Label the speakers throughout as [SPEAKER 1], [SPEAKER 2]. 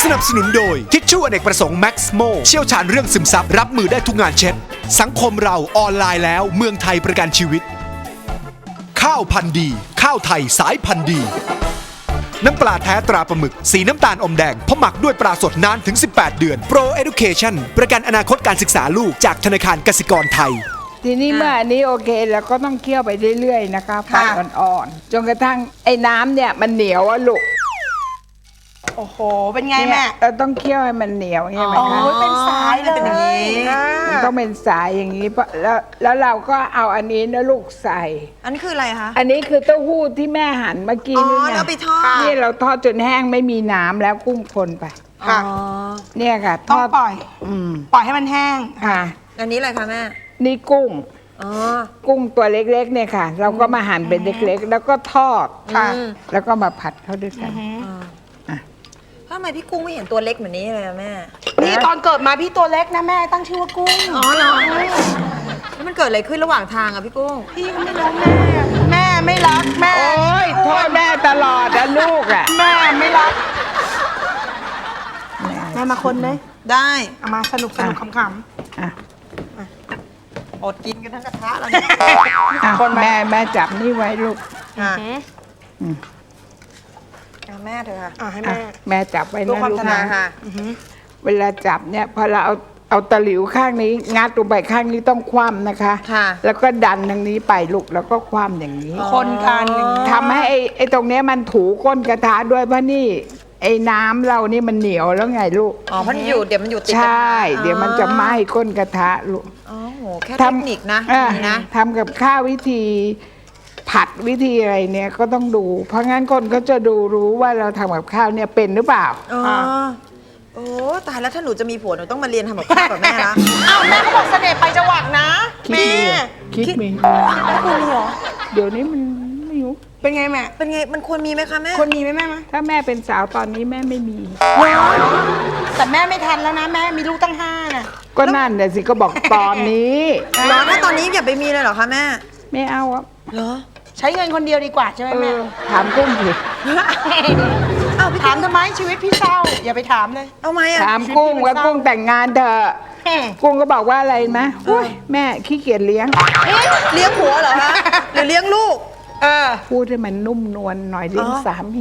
[SPEAKER 1] นับสนุนโดยทิชชู่อเนกประสงค์แม็กซ์โมเชี่ยวชาญเรื่องซึมซับรับมือได้ทุกงานเช็ดสังคมเราออนไลน์แล้วเมืองไทยประกันชีวิตข้าวพันธุ์ดีข้าวไทยสายพันธุ์ดีน้ำปลาแท้ตราปลาหมึกสีน้ำตาลอมแดงเพราะหมักด้วยปลาสดนานถึง18 เดือน Pro Education ประกันอนาคตการศึกษาลูกจากธนาคารกสิกรไทย
[SPEAKER 2] ทีนี้เมื่ออันนี้โอเคเราก็ต้องเคี่ยวไปเรื่อยๆนะคะไฟอ่อนๆจนกระทั่งไอ้น้ำเนี่ยมันเหนียวอะลูก
[SPEAKER 3] โอ้โหเป็นไงแม่
[SPEAKER 2] เราต้องเคี่ยวให้มันเหนียวใช่ไหมคะ
[SPEAKER 3] โอ้ยเป็นสายเลยเป็นอย่างนี้
[SPEAKER 2] มันต้องเป็นสายอย่างนี้แล้วเราก็เอาอันนี้นะลูกใส่
[SPEAKER 3] อันนี้คืออะไรคะ
[SPEAKER 2] อันนี้คือเต้าหู้ที่แม่หั่นเมื่อกี้นี่ไง
[SPEAKER 3] แล้วไปทอด
[SPEAKER 2] นี่เราทอดจนแห้งไม่มีน้ำแล้วกุ้งคนไป
[SPEAKER 3] ค่ะ
[SPEAKER 2] เนี่ยค่ะทอด
[SPEAKER 3] ปล่อยให้มันแห้ง
[SPEAKER 2] ค่ะ
[SPEAKER 3] อันนี้อะไรคะแม่
[SPEAKER 2] นี่กุ้งกุ้งตัวเล็กๆเนี่ยค่ะเราก็มาหั่นเป็นเล็กๆแล้วก็ทอดแล้วก็มาผัดเข้าด้วยกัน
[SPEAKER 3] ทำไมพี่กุ้งไม่เห็นตัวเล็กเหมือนนี้เลยแม่นี่ตอนเกิดมาพี่ตัวเล็กนะแม่ตั้งชื่อว่ากุ้งอ๋อเหรอแล้วมันเกิดอะไรขึ้นระหว่างทางอะพี่กุ้งพี่ก็ไม่รู้แม่ไม่รักแม่
[SPEAKER 2] โอ้ยโทษแม่ตลอดนะลูกอะ
[SPEAKER 3] แม่ไม่รักแม่มาคนเลยได้เอามาสนุกขำอดกินกันทั้งกระทะแล้ว
[SPEAKER 2] คนแม่จับนี่ไว้ลูก
[SPEAKER 3] แม่เถอะค่ะให้
[SPEAKER 2] แม่จับไว้นะลูกนะ
[SPEAKER 3] ค่ะ
[SPEAKER 2] เวลาจับเนี่ยพอเราเอาตะหลิวข้างนี้งัดลงไปข้างนี้ต้องคว่ำนะคะแล้วก็ดันทางนี้ไปลูกแล้วก็คว่ำอย่างนี้
[SPEAKER 3] คนกัน
[SPEAKER 2] ทำให้ไอ้ตรงนี้มันถูก้นกระทะด้วยเพราะนี่ไอ้น้ำเรานี่มันเหนียวแล้วไงลูก
[SPEAKER 3] มันอยู่เดี๋ยวมันอยู่ติด
[SPEAKER 2] ใช่เดี๋ยวมันจะไหม้ก้นกระทะลูก
[SPEAKER 3] โอ้โหแค่เทคนิคนะ
[SPEAKER 2] ทำกับข้าววิธีผัดวิธีอะไรเนี่ยก็ต้องดูเพราะงั้นคนก็จะรู้ว่าเราทำกับข้าวเนี่ยเป็นหรือเปล่า
[SPEAKER 3] โอ้ตายแล้วถ้าหนูจะมีผัวหนูต้องมาเรียนทำกับข้าวกับแม่นะอ้าวแม่ก็บอกเสน่ห์ไปจังหวัดนะแม่
[SPEAKER 2] คิดมี
[SPEAKER 3] แล้วคุณเหรอ
[SPEAKER 2] เดี๋ยวนี้มันไม่รู้
[SPEAKER 3] เป็นไงแม่เป็นไงมันควรมีไหมคะแม่ควรมีไหมแม่
[SPEAKER 2] ถ้าแม่เป็นสาวตอนนี้แม่ไม่มี
[SPEAKER 3] แต่แม่ไม่ทันแล้วนะแม่มีลูกตั้ง5น่ะ
[SPEAKER 2] ก็นั่นแต่สิก็บอกตอนนี้
[SPEAKER 3] เหรอถ้าตอนนี้อย่าไปมีเลยเหรอคะแม่
[SPEAKER 2] ไม่เอาอ่ะ
[SPEAKER 3] เหรอใช้เงินคนเดียวดีกว่าใช่ไหมแม่
[SPEAKER 2] ถามกุ้งสิ
[SPEAKER 3] ถามทำไมชีวิตพี่เศร้าอย่าไปถามเลยเอาไหม
[SPEAKER 2] ถามกุ้งว่ากุ้งแต่งงานเถอะกุ้งก็บอกว่าอะไรไหมแม่ขี้เกียจเลี้ยง
[SPEAKER 3] ผัวเหรอคะหรือเลี้ยงลูก
[SPEAKER 2] พูดให้มันนุ่มนวลหน่อยเลี้ยงสามี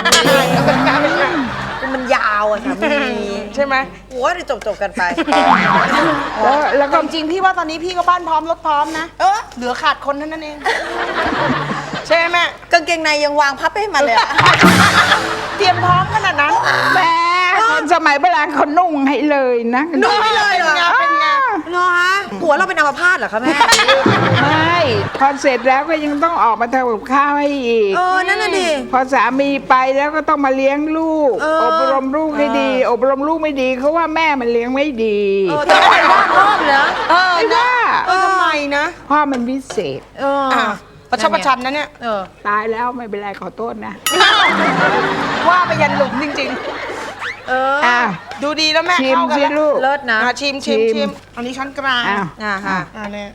[SPEAKER 3] มันยาวอ่ะสามีใช่ไหมหัวจะจบกันไปแล้วก็จริงพี่ว่าตอนนี้พี่ก็บ้านพร้อมรถพร้อมนะเหลือขาดคนเท่านั้นเองใช่ไหมกางเกงในยังวางพับให้มันเลยเตรียมพร้อมขนาดนั้น
[SPEAKER 2] แม่คนสมัยโบราณเขานุ่งให้เลยนะ
[SPEAKER 3] นุ่งให้เลยเหรอเป็นไงเหรอฮะผัวเราเป็นอัมพาตเหรอคะแม่
[SPEAKER 2] ไม่พอเสร็จแล้วก็ยังต้องออกมาทำกับข้าวให้อีก
[SPEAKER 3] นั่นน่ะดิ
[SPEAKER 2] พอสามีไปแล้วก็ต้องมาเลี้ยงลูกอบรมลูกให้ดีอบรมลูกไม่ดีเขาว่าแม่มันเลี้ยงไม่ดี
[SPEAKER 3] แต่ไม่ว่าพ่อเหรอ
[SPEAKER 2] ไม่ว่า
[SPEAKER 3] ทำไมนะ
[SPEAKER 2] พ่อมันพิเศษ
[SPEAKER 3] ประชดประชันนะเนี่ย
[SPEAKER 2] ตายแล้วไม่เป็นไรขอโทษนะ
[SPEAKER 3] ว่าไปยันหลุมจริงๆดูดีแล้วแม่
[SPEAKER 2] เข้ากันแล้ว
[SPEAKER 3] เลิศนะชิมอันนี้ช้อนกลางค่ะเนี่ย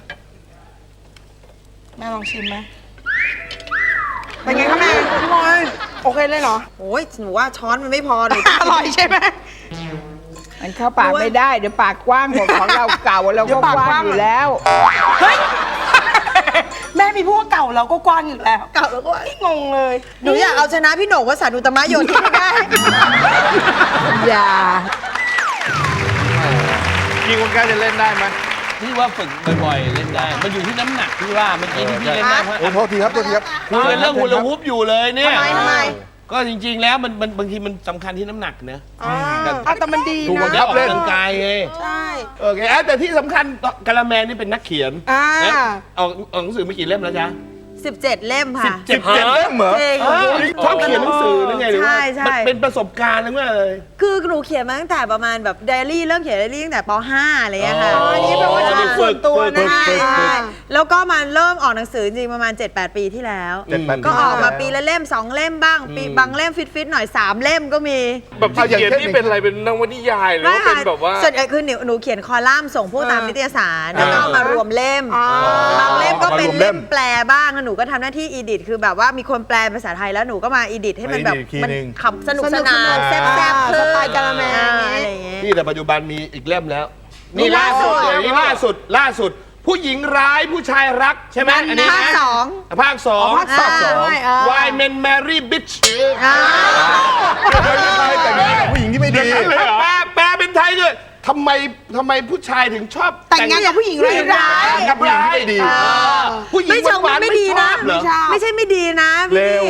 [SPEAKER 3] แม่ลองชิมไหมเป็นไงคะแม่พี่บอยโอเคเลยเหรอโอ้ยหนูว่าช้อนมันไม่พอหนูอร่อยใช่ไหม
[SPEAKER 2] มันเข้าปากไม่ได้เดี๋ยวปากกว้างหมดของเราเก่าเราก็กว้างอยู่แล้ว
[SPEAKER 3] เฮ้ยแม่มีพวกเก่าเราก็กว้างอยู่แล้วเก่าเราก็งงเลยหนูอยากเอาชนะพี่โหน่งวสันต์อุตมะโยธินได้
[SPEAKER 2] อย่า
[SPEAKER 4] พี่คนกล้าจะเล่นได้ไหม
[SPEAKER 5] พี่ว่าฝึกบ่อยๆเล่นได้มันอยู่ที่น้ำหนักพี่ว่าเมื่อกี้ที่พี่เล่นได้
[SPEAKER 4] โทษทีครับคุย
[SPEAKER 5] เรื่องฮูลาฮูปอยู่เลยเนี่ย
[SPEAKER 3] ทำไม
[SPEAKER 5] ก็จริงๆแล้วมันบางทีมันสำคัญที่น้ำหนักเนอะ
[SPEAKER 3] แต่มันดีนะ
[SPEAKER 5] ได้ออกกำลังกายไง
[SPEAKER 3] ใช่
[SPEAKER 5] โอเคแต่ที่สำคัญกะละแมนี่เป็นนักเขียนออกหนังสือไม่กี่เล่มแล้วจ๊ะ
[SPEAKER 3] 17 เล่มค่ะ
[SPEAKER 4] 17 เล่มเหรอ
[SPEAKER 5] ชอบเขียนหนังสือนั่นไงหรือว่าเป็นประสบการณ์หรือว่าอะไร
[SPEAKER 3] คือหนูเขียนมาตั้งแต่ประมาณแบบไดอารี่เริ่มเขียนไดอารี่ตั้งแต่ป .5 อะไรอย่างเงี้ยค่ะอันนี้แปลว่าจะส่วนตัวนะแล้วก็มาเริ่มออกหนังสือจริงประมาณ 7-8 ปีที่แล้วก็ออกมาปีละเล่ม2 เล่มบ้างปีบางเล่มฟิตๆหน่อย3 เล่มก็มี
[SPEAKER 4] แบบเขียนนี่เป็นอะไรเป็นนวนิยายหรือว่าเป็นแบบว่า
[SPEAKER 3] ส่วนใหญ่คือหนูเขียนคอลัมน์ส่งพวกตามนิตยสารแล้วก็มารวมเล่มบางเล่มก็เป็นเล่มแปลบ้างหนูนูก็ทำหน้าที่อีดิทคือแบบว่ามีคนแปลภาษาไทยแล้วหนูก็มาอีดิทให้มันแบบมันขำสนุกสนานแซ่บๆสไตล์กะละแมอะไรอย่างเงี้ย
[SPEAKER 5] นี่แต่ปัจจุบันมีอีกเล่มแล้ว นี่ล่าสุดเลยนี่ล่าสุด ผู้หญิงร้ายผู้ชายรักใช่ไหมอันนี้นะ
[SPEAKER 3] ภาคสอง
[SPEAKER 5] ภาคสอง Why Men Marry Bitch
[SPEAKER 6] แต่งงานกับผู้หญิงที่ไม่ดี
[SPEAKER 5] แปลเป็นไทยด้วยทำไมผู้ชายถึงชอบ
[SPEAKER 3] แต่งงานกับผู้หญิงร้าย
[SPEAKER 5] กับร้ายดีผู้หญิง
[SPEAKER 3] ไม่เชิง
[SPEAKER 5] หวานๆ
[SPEAKER 3] ไม่ดี
[SPEAKER 5] ช
[SPEAKER 3] นะ
[SPEAKER 5] อบเหรอ
[SPEAKER 3] ไม่ใช่ไม่ดีนะ
[SPEAKER 6] เร็ว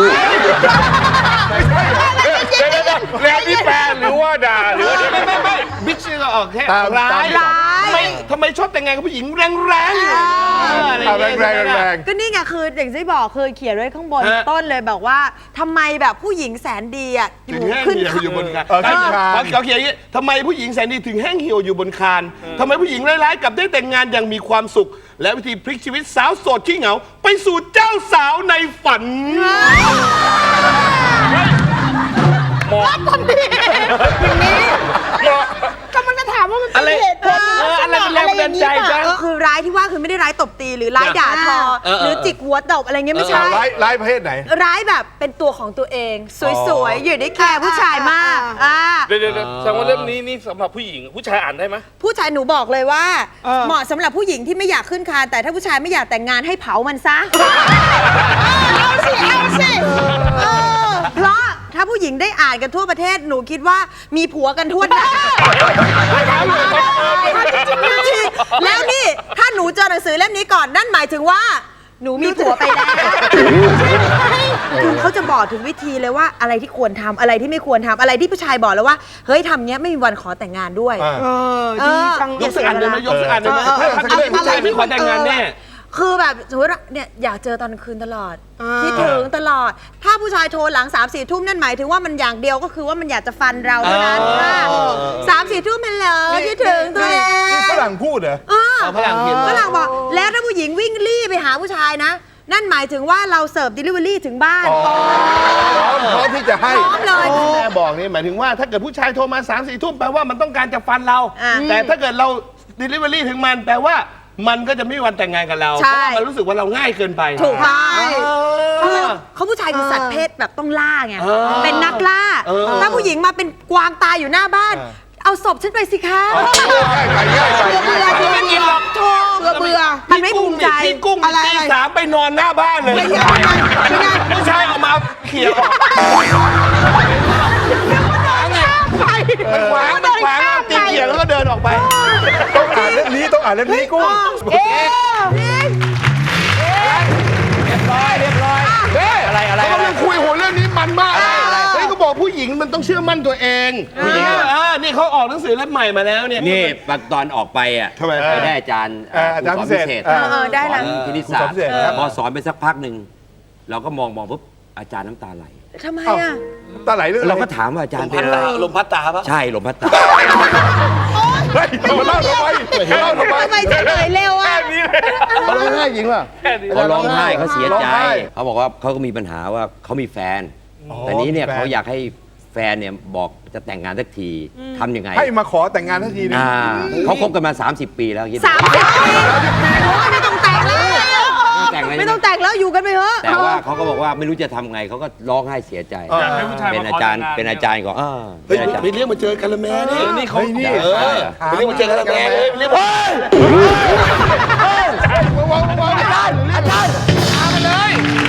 [SPEAKER 4] เรียกนี่แปลหรือว่าด่าหรือว่า
[SPEAKER 5] ไม่บิ๊กชื่อก็ออกแค่
[SPEAKER 6] ตาม
[SPEAKER 5] ร้าย
[SPEAKER 3] ร้าย
[SPEAKER 5] ทำไมชอบแต่งงานกับผู้หญิงแรงๆอะไรอย่างเงี้ย
[SPEAKER 6] แรง
[SPEAKER 3] ก็นี่ไงคืออย่างที่บอกเคยเขียนไว้ข้างบน
[SPEAKER 5] ฮะ
[SPEAKER 3] ต้นเลยบอกว่าทำไมแบบผู้หญิงแสนดีอ่ะอ
[SPEAKER 5] ถึ
[SPEAKER 3] ยู่
[SPEAKER 5] งแห้ง
[SPEAKER 3] ขึ้น
[SPEAKER 5] เหี่ยวอยู่บนคาน
[SPEAKER 6] ขึ้นคาน
[SPEAKER 5] เขาเขียนอย่างนี้ทำไมผู้หญิงแสนดีถึงแห้งเหี่ยวอยู่บนคานทำไมผู้หญิงร้ายๆกลับได้แต่งงานอย่างมีความสุข และวิธีพลิกชีวิตสาวโสดขี้เหงา ไปสู่เจ้าสาวในฝัน
[SPEAKER 3] กำลังจะถามว่ามันเป็นเหตุผล
[SPEAKER 5] อะไรเป็นแรงบันดาลใจจ๊ะ
[SPEAKER 3] คือร้ายที่ว่าคือไม่ได้ร้ายตบตีหรือร้ายด่าทอ หรือจิกหัวตบอะไรเงี้ยไม่ใช่
[SPEAKER 6] ร้ายประเภทไหน
[SPEAKER 3] ร้ายแบบเป็นตัวของตัวเอง สวยๆ อยู่ได้แคร์ผู้ชายมาก
[SPEAKER 4] เดี๋ยวแสดงว่าเล่มนี้นี่สำหรับผู้หญิงผู้ชายอ่านได้ไหม
[SPEAKER 3] ผู้ชายหนูบอกเลยว่า เหมาะสำหรับผู้หญิงที่ไม่อยากขึ้นคานแต่ถ้าผู้ชายไม่อยากแต่งงานให้เผามันซะ เอาสิเพราะถ้าผู้หญิงได้อ่านกันทั่วประเทศหนูคิดว่ามีผัวกันทั่วหน้าแล้วนี่ถ้าหนูเจอหนังสือเล่มนี้ก่อนนั่นหมายถึงว่า หนูมีผัวไปแล้วคือเขาจะบอกถึงวิธีเลยว่าอะไรที่ควรทำอะไรที่ไม่ควรทำอะไรที่ผู้ชายบอกแล้วว่าเฮ้ยทำเนี้ยไม่มีวันขอแต่งงานด้วย
[SPEAKER 5] ยกสักอันเลยไหมยกสักอันเลยไหมถ้าเป็นผู้ชายไม่ขอแต่งงานแน่
[SPEAKER 3] คือแบบสมมติเนี่ยอยากเจอตอนกลางคืนตลอดคิดถึงตลอด ถ้าผู้ชายโทรหลัง 3-4 ทุ่มนั่นหมายถึงว่ามันอย่างเดียวก็คือว่ามันอยากจะฟันเราเท่านั้น3-4 ทุ่มมันเหรอคิดถึงตัวเอง
[SPEAKER 6] นี่ฝรั่งพูดเหรอ
[SPEAKER 5] ฝรั่งเขียน
[SPEAKER 3] ฝรั่งบอกแล้วถ้าผู้หญิงวิ่งรี่ไปหาผู้ชายนะ นั่นหมายถึงว่าเราเสิร์ฟ delivery ถึงบ้าน
[SPEAKER 6] พร้อมที่จะให้
[SPEAKER 3] พร้อมเลย
[SPEAKER 5] แม่บอกนี่หมายถึงว่าถ้าเกิดผู้ชายโทรมา 3-4 ทุ่มแปลว่ามันต้องการจะฟันเรา แต่ถ้าเกิดเรา delivery ถึงมันแปลว่ามันก็จะไม่มีวันแต่งงานกับเรา เพราะว่ามันรู้สึกว่าเราง่ายเกินไป
[SPEAKER 3] ถูกต้องเขาผู้ชายคือสัตว์เพศแบบต้องล่าไงเป็นนักล่า ถ้าผู้หญิงมาเป็นกวางตายอยู่หน้าบ้าน เอาศพฉันไปสิคะ
[SPEAKER 5] ไม่กินหรอก
[SPEAKER 3] เบื่อมันไม่ภูมิใจ
[SPEAKER 5] พี่กุ้งตี3ไปนอนหน้าบ้านเลยผู้ชายเอามาเขี่ยออกมันขวางตีเขี่ยแล้วก็เดินออกไป
[SPEAKER 6] ต้องอ่านเล่มนี้กุ้ง
[SPEAKER 5] เรียบร้อยอะไรเขากำลังคุยโหเรื่องนี้มันมากเฮ้ยเขาบอกผู้หญิงมันต้องเชื่อมั่นตัวเองผู้หญิงนี่เขาออกหนังสือเล่มใหม่มาแล้วเนี่ย
[SPEAKER 7] นี่ตอนออกไปอ่ะ
[SPEAKER 6] ทำไม
[SPEAKER 7] ไปได้อาจารย์
[SPEAKER 6] อาจารย์พิเศษ
[SPEAKER 3] ได้ละ
[SPEAKER 7] สอนคณิตศาสตร์
[SPEAKER 6] ครูสอนพิเศษครับ
[SPEAKER 7] พอสอนไปสักพักหนึ่งเราก็มองปุ๊บอาจารย์น้ำตาไหล
[SPEAKER 3] ทำไมอ่ะ
[SPEAKER 6] ตาไหลเรื่อง
[SPEAKER 7] เราก็ถามว่าอาจารย์เป็นอะไร
[SPEAKER 5] ลมพัดตาปะ
[SPEAKER 7] ใช่ลมพัดตา
[SPEAKER 6] เฮ้ยมาเล่าทำไม
[SPEAKER 3] ทำไมเฉลยเร็วอ่ะ
[SPEAKER 6] เขาร้องไห้จริงป่ะ
[SPEAKER 7] เขาร้องไห้เขาเสีย
[SPEAKER 6] ร้อง
[SPEAKER 7] ใจ
[SPEAKER 6] ไห้
[SPEAKER 7] เขาบอกว่าเขาก็มีปัญหาว่าเขามีแฟน แต่นี้เนี่ย
[SPEAKER 6] มีแฟน
[SPEAKER 7] เขาอยากให้แฟนเนี่ยบอกจะแต่งงานสักทีทำยังไง
[SPEAKER 6] ให้มาขอแต่งงานทันทีนึง
[SPEAKER 7] เขาคบกันมา 30 ปีแล้วคิดดู
[SPEAKER 3] 30 ปีไม่ต้องแต่งแล้ว
[SPEAKER 7] แต่งเลย
[SPEAKER 3] ไม่ต้องแต่งแล้วอยู่กันไปเถอะ
[SPEAKER 7] แต่ว่าเขาก็บอกว่าไม่รู้จะทำไงเขาก็ร้องไห้เสียใจ
[SPEAKER 4] อยากให้ผู้ชาย
[SPEAKER 7] เป็น
[SPEAKER 4] มา
[SPEAKER 7] อา
[SPEAKER 4] ขอ
[SPEAKER 7] จารย์
[SPEAKER 4] แต่งงาน
[SPEAKER 7] เป็นอาจารย์ของ
[SPEAKER 5] เฮ้ย
[SPEAKER 7] เป็นอาจารย์
[SPEAKER 5] ไปเรียกมาเจอกันละแม่นี่นี่เขา
[SPEAKER 6] เฮ้ยนี่
[SPEAKER 5] ไปเรียกมาเจอกันละแม่เลยเรียกมาอาจารย์มาเลย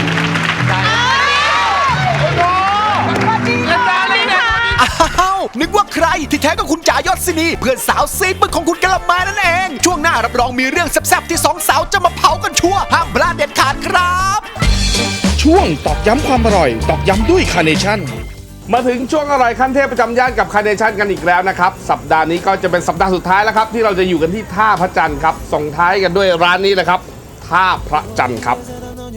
[SPEAKER 1] อ้าวนึกว่าใครที่แท้ก็คุณจ๋ายศศินีเพื่อนสาวซีดบึกของคุณกะละแมนั่นเอง ช่วงหน้ารับรองมีเรื่องแซ่บๆที่สองสาวจะมาเผากันชัวร์ห้ามพลาดเด็ดขาดครับ
[SPEAKER 8] ช่วงตอกย้ำความอร่อย ตอกย้ำด้วยคาร์เนชั่น
[SPEAKER 4] มาถึงช่วงอร่อยขั้นเทพประจำย่านกับคาร์เนชั่นกันอีกแล้วนะครับ สัปดาห์นี้ก็จะเป็นสัปดาห์สุดท้ายแล้วครับ ที่เราจะอยู่กันที่ท่าพระจันทร์ครับส่งท้ายกันด้วยร้านนี้เลยครับท่าพระจันทร์ครับ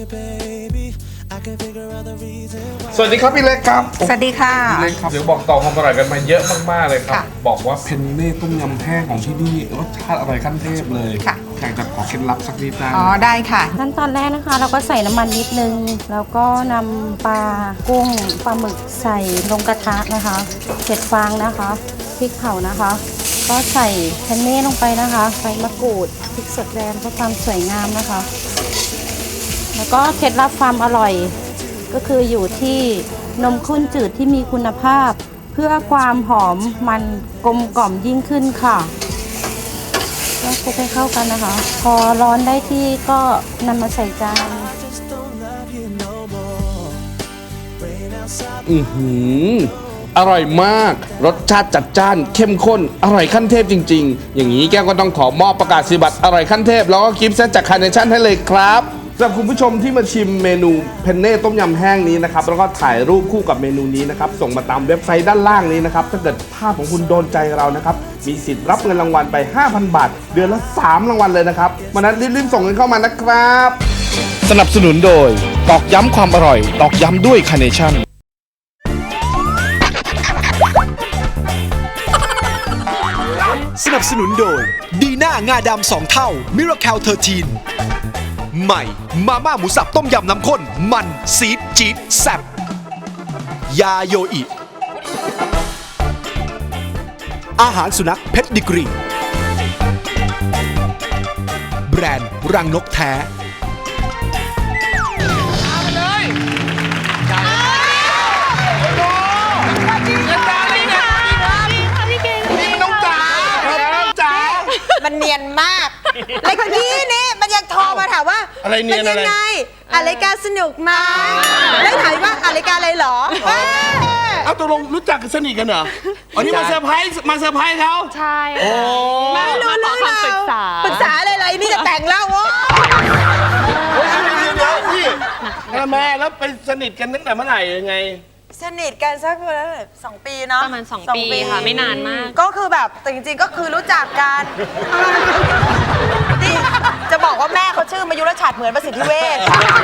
[SPEAKER 4] สวัสดีครับพี่เล็กครับ
[SPEAKER 9] สวัสดีค่ะ
[SPEAKER 4] พี่เล็กครับเดี๋ยวบอกต่อความอร่อยกันมาเยอะมากๆเลยครับ
[SPEAKER 9] ค่ะ
[SPEAKER 4] บอกว่าเพนเน่ต้มยำแห้งของที่นี่รสชาติอร่อยขั้นเทพเลย
[SPEAKER 9] ค่ะ
[SPEAKER 4] อยากจะขอเคล็ดลับสักนิดได้
[SPEAKER 9] อ๋อ ได้ค่ะ
[SPEAKER 10] ขั้นตอนแรกนะคะ เราก็ใส่น้ำมันนิดนึง แล้วก็นำปลากุ้งปลาหมึกใส่ลงกระทะนะคะ7 ฟางนะคะพริกเผานะคะ ก็ใส่แพนเน่ลงไปนะคะใบมะกรูดพริกสดแดงเพื่อความสวยงามนะคะแล้วก็เคล็ดลับความอร่อย ก็คืออยู่ที่นมข้นจืดที่มีคุณภาพ เพื่อความหอมมันกลมกล่อมยิ่งขึ้นค่ะก็คลุกให้เข้ากันนะคะ พอร้อนได้ที่ก็นำมาใส่จาน
[SPEAKER 4] อร่อยมาก รสชาติจัดจ้าน เข้มข้น อร่อยขั้นเทพจริง ๆ อย่างนี้แก้วก็ต้องขอมอบประกาศนียบัตรอร่อยขั้นเทพ แล้วก็กิฟต์เซตจากคาร์เนชั่นให้เลยครับสำหรับคุณผู้ชมที่มาชิมเมนูเพนเน่ต้มยำแห้งนี้นะครับ แล้วก็ถ่ายรูปคู่กับเมนูนี้นะครับ ส่งมาตามเว็บไซต์ด้านล่างนี้นะครับ ถ้าเกิดภาพของคุณโดนใจเรานะครับ มีสิทธิ์รับเงินรางวัลไป 5,000 บาท เดือนละ 3 รางวัลเลยนะครับวันนั้นรีบๆส่งเงินเข้ามานะครับ
[SPEAKER 8] สนับสนุนโดย ตอกย้ำความอร่อย ตอกย้ำด้วยคาร์เนชั่น
[SPEAKER 1] สนับสนุนโดยดีน่างาดำ2 เท่ามิราเคิล13ใหม่มาม่าหมูสับต้มยำน้ำข้นมันซีดจี๊ดแซ่บยาโยอิอาหารสุนัขเพชรดิกรีแบรนด์รังนกแท้
[SPEAKER 3] มันเนียนมากแล้วเมื่อกี้นี่มันยังโทรมาถามว่า
[SPEAKER 5] อะไรเนียนอะไร
[SPEAKER 3] ป็งรายการสนุกไหมแล้วถามว่ารายการอะไรเหรอ
[SPEAKER 5] เอาตกลงรู้จักกันสนิทกันเหรออันนี้มาเซอร์ไพรส์เขา
[SPEAKER 9] ใช่
[SPEAKER 5] โอ้
[SPEAKER 3] ไม่รู้เรื่อง
[SPEAKER 9] คำปรึกษา
[SPEAKER 3] ปรึกษาอะไรนี่จะแต่งแล้ววะ
[SPEAKER 5] เดี๋ยวพี่แม่แล้วไปสนิทกันตั้งแต่เมื่อไหร่ยังไง
[SPEAKER 3] สนิทกันสักประมาณ2 ปีเนาะ
[SPEAKER 9] ประมาณ2 ปีค่ะไม่นานมาก
[SPEAKER 3] ก็คือแบบแต่จริงๆก็คือรู้จักกันนี่จะบอกว่าแม่เขาชื่อมายุรชาติเหมือนประสิทธิเวช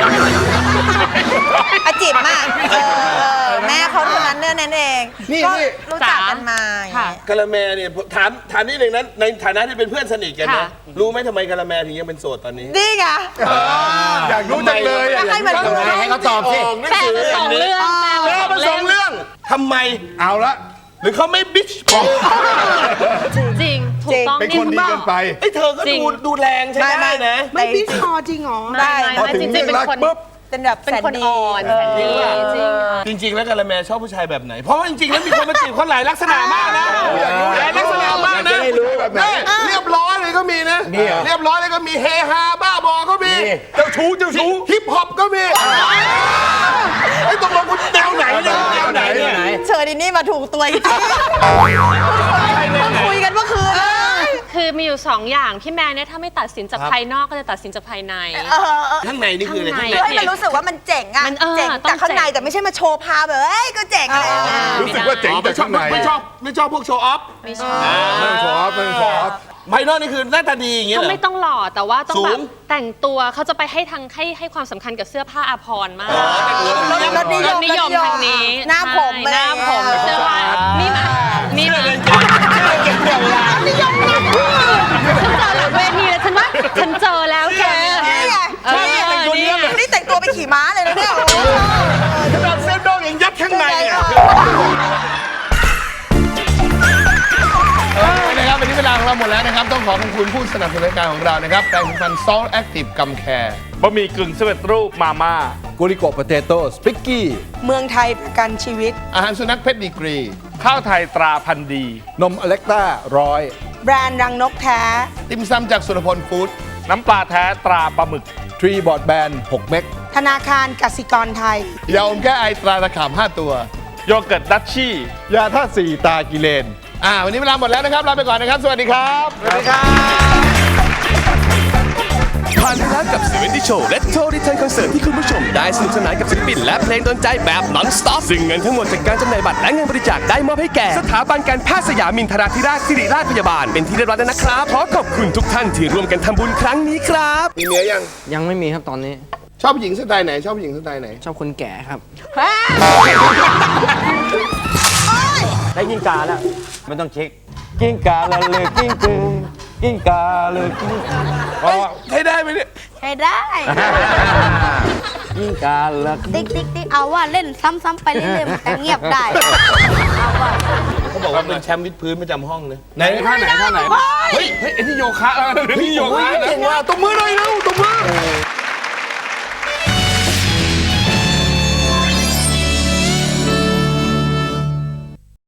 [SPEAKER 3] อาจิบมากแม่เขาเท่านั้นนั่นเอง
[SPEAKER 5] นี่
[SPEAKER 3] ก็รู้จักกันมา
[SPEAKER 9] ค่ะ
[SPEAKER 5] กะละแมเนี่ยถามนิดนึงนะในฐานะที่เป็นเพื่อนสนิทกันนะ
[SPEAKER 9] ค่ะ
[SPEAKER 5] รู้ไหมทำไมกะละแมถึงยังเป็นโสดตอนนี้
[SPEAKER 3] นี่ไง
[SPEAKER 6] อยากรู้จังเลยอะ
[SPEAKER 3] ให้มันรู้
[SPEAKER 5] ให้เขาตอบสิ
[SPEAKER 9] แปลเป็น2 เรื่อง
[SPEAKER 5] แปลเป็น2 เรื่องทำไม
[SPEAKER 6] เอาละ
[SPEAKER 5] หรือเขาไม่บิ๊ชพอ
[SPEAKER 9] จริง ถูกต้อง
[SPEAKER 6] เป็นคนดีเกินไป
[SPEAKER 5] ไอ้เธอก็ดูแรงใช่ไหมนะ
[SPEAKER 3] ไม่พี่คอจริงเหรอได้
[SPEAKER 6] พอถึง
[SPEAKER 9] จริ
[SPEAKER 6] เรื่อง
[SPEAKER 9] งๆเป็น
[SPEAKER 6] รัก
[SPEAKER 9] คน
[SPEAKER 6] ปุ๊บ
[SPEAKER 3] เป็นแบบ
[SPEAKER 9] เป็นคนอ่อนแสนดีจริงค่ะ
[SPEAKER 5] จริงๆ แล้วกะละแมชอบผู้ชายแบบไหน เพราะว่าจริงๆ แล้วมีคนมาจีบเขาหลายลักษณะมากนะหลายลักษณะมากนะ
[SPEAKER 6] อยากจะได้รู้แบบไหน
[SPEAKER 5] เรียบร้อยเลยก็มีนะ
[SPEAKER 6] มีเหรอ
[SPEAKER 5] เรียบร้อยเลยก็มีเฮฮาบ้าบอก็มี
[SPEAKER 6] เจ้าชู้
[SPEAKER 5] ฮิปฮอปก็มีไอ้ตกลงคุณแนวไหนเนี่ยแนวไหนเนี่ย
[SPEAKER 3] เชิญดินี่มาถูกตัวจริงคุยกันเมื่อคืน
[SPEAKER 9] คือมีอยู่ 2 อย่างพี่แมนเนี่ยถ้าไม่ตัดสินจากภายนอกก็จะตัดสินจากภายใน
[SPEAKER 5] ข้างในนี่คืออะไร
[SPEAKER 9] ข้างใน
[SPEAKER 5] ข้างใน
[SPEAKER 3] ให้มันรู้สึกว่ามันเจ๋งอะ
[SPEAKER 9] มัน
[SPEAKER 3] เจ๋ง
[SPEAKER 9] ต้อง
[SPEAKER 3] แต่ข้างใน
[SPEAKER 9] เจ๋ง
[SPEAKER 3] แต่ไม่ใช่มาโชว์พาแบบเอ้ยก็เจ๋งอะไรอย่างเงี้ย
[SPEAKER 6] รู้สึกว่าเจ๋งแต่ข้างใน
[SPEAKER 5] ไม่ชอบพวกโชว์ออฟ
[SPEAKER 9] ไม่ชอบ
[SPEAKER 6] ไม่ขอไม่ขอ
[SPEAKER 5] ภายนอกนี่คือหน้าตาดีอย่างเงี้ย
[SPEAKER 9] เขา
[SPEAKER 5] เหรอ
[SPEAKER 9] ไม่ต้องหล่อแต่ว่าต้อง
[SPEAKER 5] สู
[SPEAKER 9] แบ
[SPEAKER 5] ง
[SPEAKER 9] บแต่งตัวเขาจะไปให้ความสำคัญกับเสื้อผ้าอาภรณ์มาก
[SPEAKER 3] รสนิยม
[SPEAKER 9] นิยมทางนี้
[SPEAKER 3] หน้าผม
[SPEAKER 9] ใช่หน้าผม
[SPEAKER 3] อะไร
[SPEAKER 9] เสื้อผ้านี่มานี่มาฉันเจอหลังเวทีแล้วฉันว่าฉันเจอแล้วแก
[SPEAKER 3] นี่ไง นี่แต่งตัวไปขี่ม้าเลยนะเนี่ย
[SPEAKER 5] ขนาดเส้นดองยังยัดข้างในอ่ะนะครับวันนี้เวลาของเราหมดแล้วนะครับ ต้องขอขอบคุณผู้สนับสนุนรายการของเรานะครับแปรงสีฟัน Salt Active Gum Care
[SPEAKER 4] บะหมี่กึ่งสำเร็จรูปมาม่า
[SPEAKER 6] กุริโกะโปเตโต้สปิกกี้
[SPEAKER 3] เมืองไทยประกันชีวิต
[SPEAKER 5] อาหารสุนัขเพชรดีกรี
[SPEAKER 4] ข้าวไทยตราพันธุ์ดี
[SPEAKER 6] นมอเล็กต้า100
[SPEAKER 3] แบรนด์รังนกแท้
[SPEAKER 5] ติมซำจากสุรพลฟู้ด
[SPEAKER 4] น้ำปลาแท้ตราปลาหมึก
[SPEAKER 6] ทรีบอร์ดแบน6 เม็ก
[SPEAKER 3] ธนาคารกสิกรไทย
[SPEAKER 5] ยาอมแก้ไอตราตะขาม5 ตัว
[SPEAKER 4] โยเกิร์ตดัชชี่
[SPEAKER 6] ยาท่าตุ4ตากิเลน
[SPEAKER 5] วันนี้เวลาหมดแล้วนะครับ ลาไปก่อนนะครับ สวัสดีครับ
[SPEAKER 6] สวัสดีครับ
[SPEAKER 11] ผ่านไปแล้วกับ70 Show และ Total Return Concert ที่คุณผู้ชมได้สนุกสนานกับศิลปินและเพลงโดนใจแบบ non-stop ซึ่งเงินทั้งหมดจากการจำหน่ายบัตรและเงินบริจาคได้มอบให้แก่สถาบันการแพทย์สยามินทราธิราชสิริราชพยาบาลเป็นที่เรียบร้อยแล้วนะครับ ขอขอบคุณทุกท่านที่ร่วมกันทำบุญครั้งนี้ครับ
[SPEAKER 5] มีเมียยัง
[SPEAKER 12] ยังไม่มีครับตอนนี้
[SPEAKER 5] ชอบผู้หญิงสไตล์ไหน ชอบผู้หญิงสไตล์ไหน
[SPEAKER 12] ชอบคนแก่ครับ
[SPEAKER 7] ได้กิ้งกาแล้วไม่ต้องเช็ค กิ้งกาละเลยกิ้งกือกิ้งกาเลยกิ้ง
[SPEAKER 5] ใช้ได้ไหมเนี่ย
[SPEAKER 10] ใช้ได้
[SPEAKER 7] กิ้งกาละ
[SPEAKER 10] ติ๊กติ๊กติ๊กเอาว่าเล่นซ้ำๆไปเรื่อยๆมันจะเงียบได้
[SPEAKER 5] เขาบอกว่าเป็นแชมป์วิดพื้นประจำห้องเลย
[SPEAKER 6] ไหนท่าไหน
[SPEAKER 5] เฮ้ยไอ้ที่โยคะไอ้ที่โยคะนะ
[SPEAKER 6] เก่งว่ะตบมือหน่อยเร็วตบมือ